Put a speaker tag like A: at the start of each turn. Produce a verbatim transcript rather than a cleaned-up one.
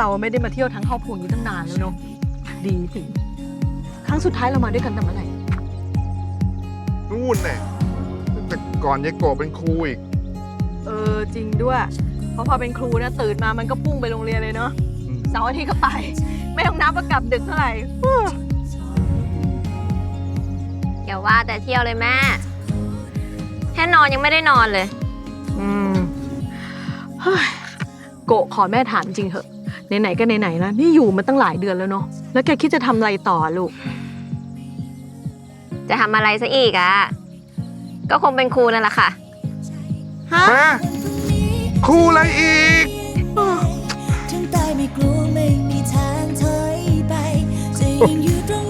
A: เราไม่ได้มาเที่ยวทั้งครอบครัวนี้ตั้งนานแล้วเนาะดีสิครั้งสุดท้ายเรามาด้วยกันแต่เมื่อไหร่
B: นู่นแน่แต่ก่อนยายโกะเป็นครูอีก
A: เออจริงด้วยเพราะพอเป็นครูนะตื่นมามันก็พุ่งไปโรงเรียนเลยเนาะเสาร์อาทิตย์ก็ไปไม่ต้องนับว่ากลับดึกเท่าไหร่
C: อย่าว่าแต่เที่ยวเลยแม่แค่นอนยังไม่ได้นอนเลย
A: อืมเฮ้ยโกะขอแม่ถามจริงเหอะไหนๆก็ไหนๆแล้วนี่อยู่มาตั้งหลายเดือนแล้วเนาะแล้วแกคิดจะทำอะไรต่อลูก
C: จะทำอะไรซะอีกอะก็คงเป็นครูนั่นแหละค่ะ
A: ฮะ
B: ครูอะไรอีก
D: ถึงตายไม่กลัวไม่มีทางถอยไปจะยังอยู่ตรง